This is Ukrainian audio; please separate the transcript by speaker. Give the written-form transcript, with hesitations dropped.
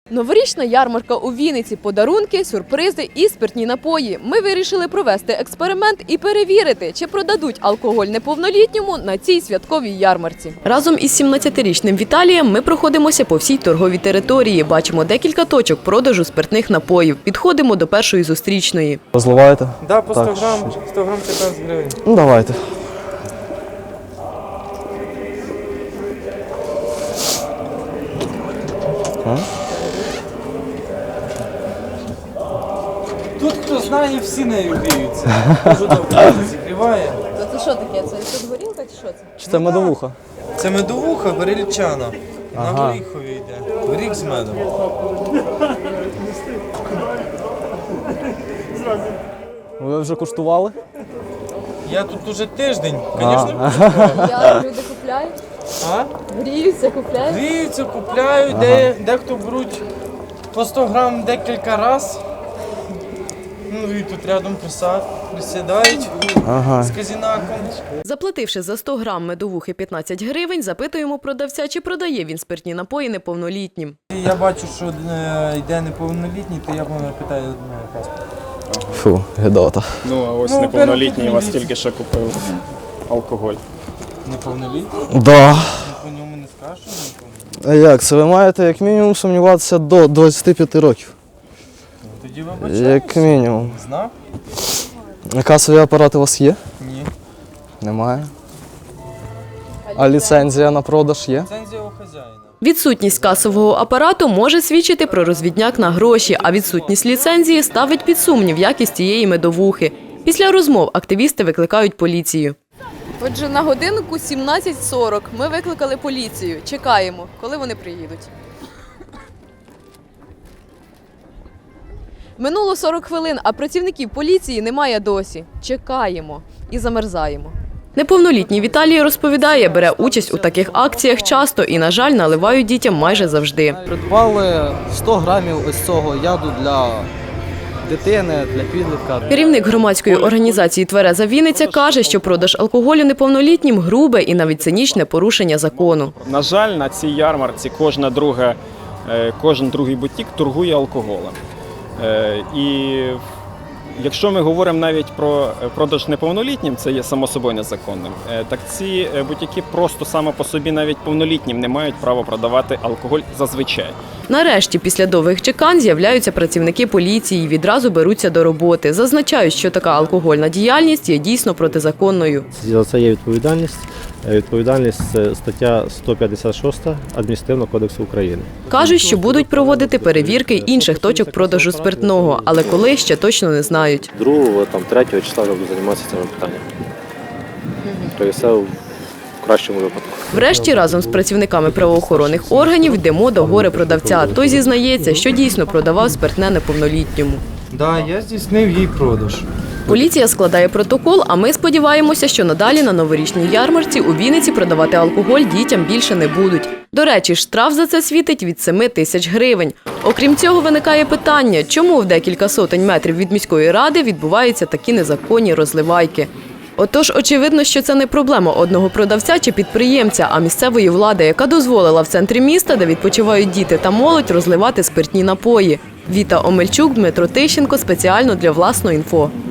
Speaker 1: Новорічна ярмарка у Вінниці, подарунки, сюрпризи і спиртні напої. Ми вирішили провести експеримент і перевірити, чи продадуть алкоголь неповнолітньому на цій святковій ярмарці. Разом із 17-річним Віталієм ми проходимося по всій торговій території. Бачимо декілька точок продажу спиртних напоїв. Підходимо до першої зустрічної.
Speaker 2: Розливаєте?
Speaker 3: Да, по 100 грам 15 гривень.
Speaker 2: Ну, давайте.
Speaker 3: Тут, хто знає, всі нею гріються. Кажу, добре, зігріває.
Speaker 1: Це що таке? Це тут горілка чи що це?
Speaker 2: Чи це медовуха?
Speaker 3: Це медовуха горілчана. На
Speaker 2: Ага.
Speaker 3: горіхові йде. Горіх з медом.
Speaker 2: Ви вже куштували?
Speaker 3: Я тут уже тиждень, звісно.
Speaker 1: Люди купляють,
Speaker 3: А?
Speaker 1: гріються, купляють.
Speaker 3: Гріються, купляють, дехто беруть по 100 грам декілька разів. Ну і тут рядом присідають з казінаком.
Speaker 1: Заплативши за 100 грам медовухи 15 гривень, запитуємо продавця, чи продає він спиртні напої неповнолітнім.
Speaker 3: Я бачу, що йде неповнолітній, то я питаю паспорт.
Speaker 2: Фу, гидота.
Speaker 4: Ну, а ось
Speaker 3: Ну,
Speaker 4: неповнолітній вас
Speaker 3: неповнолітній.
Speaker 4: тільки що купив алкоголь.
Speaker 3: Неповнолітній?
Speaker 2: Да.
Speaker 3: По ньому не скажеш, що неповнолітній?
Speaker 2: А як? Це ви маєте як мінімум сумніватися до 25 років.
Speaker 3: Тоді вибачаюся.
Speaker 2: Як мінімум.
Speaker 3: Знав?
Speaker 2: А касові апарати у вас є?
Speaker 3: Ні.
Speaker 2: Немає. А ліцензія на продаж є?
Speaker 3: Ліцензія у хазяїна.
Speaker 1: Відсутність касового апарату може свідчити про розвідняк на гроші, а відсутність ліцензії ставить під сумнів якість цієї медовухи. Після розмов активісти викликають поліцію. Отже, на годинку 17:40 ми викликали поліцію. Чекаємо, коли вони приїдуть. Минуло 40 хвилин, а працівників поліції немає досі. Чекаємо і замерзаємо. Неповнолітній Віталій розповідає, бере участь у таких акціях часто і, на жаль, наливають дітям майже завжди.
Speaker 5: Придбали 100 грамів ось цього яду для дитини, для підлітка.
Speaker 1: Керівник громадської організації «Твереза Вінниця» каже, що продаж алкоголю неповнолітнім – грубе і навіть цинічне порушення закону.
Speaker 4: На жаль, на цій ярмарці кожен другий бутік торгує алкоголем. І якщо ми говоримо навіть про продаж неповнолітнім, це є само собою незаконним, так ці бутіки просто само по собі навіть повнолітнім не мають права продавати алкоголь зазвичай.
Speaker 1: Нарешті, після довгих чекань, з'являються працівники поліції і відразу беруться до роботи. Зазначають, що така алкогольна діяльність є дійсно протизаконною.
Speaker 6: За це є відповідальність. Відповідальність – це стаття 156 Адміністративного кодексу України.
Speaker 1: Кажуть, що будуть проводити перевірки інших точок продажу спиртного, але коли – ще точно не знають.
Speaker 6: 2-3 числа я буду займатися цими питаннями. Тобто все в кращому випадку.
Speaker 1: Врешті, разом з працівниками правоохоронних органів йдемо до горе-продавця. Той зізнається, що дійсно продавав спиртне неповнолітньому.
Speaker 3: Так, я здійснив їй продаж.
Speaker 1: Поліція складає протокол, а ми сподіваємося, що надалі на новорічній ярмарці у Вінниці продавати алкоголь дітям більше не будуть. До речі, штраф за це світить від 7 тисяч гривень. Окрім цього, виникає питання, чому в декілька сотень метрів від міської ради відбуваються такі незаконні розливайки. Отож, очевидно, що це не проблема одного продавця чи підприємця, а місцевої влади, яка дозволила в центрі міста, де відпочивають діти та молодь, розливати спиртні напої. Віта Омельчук, Дмитро Тищенко спеціально для «Власного інфо».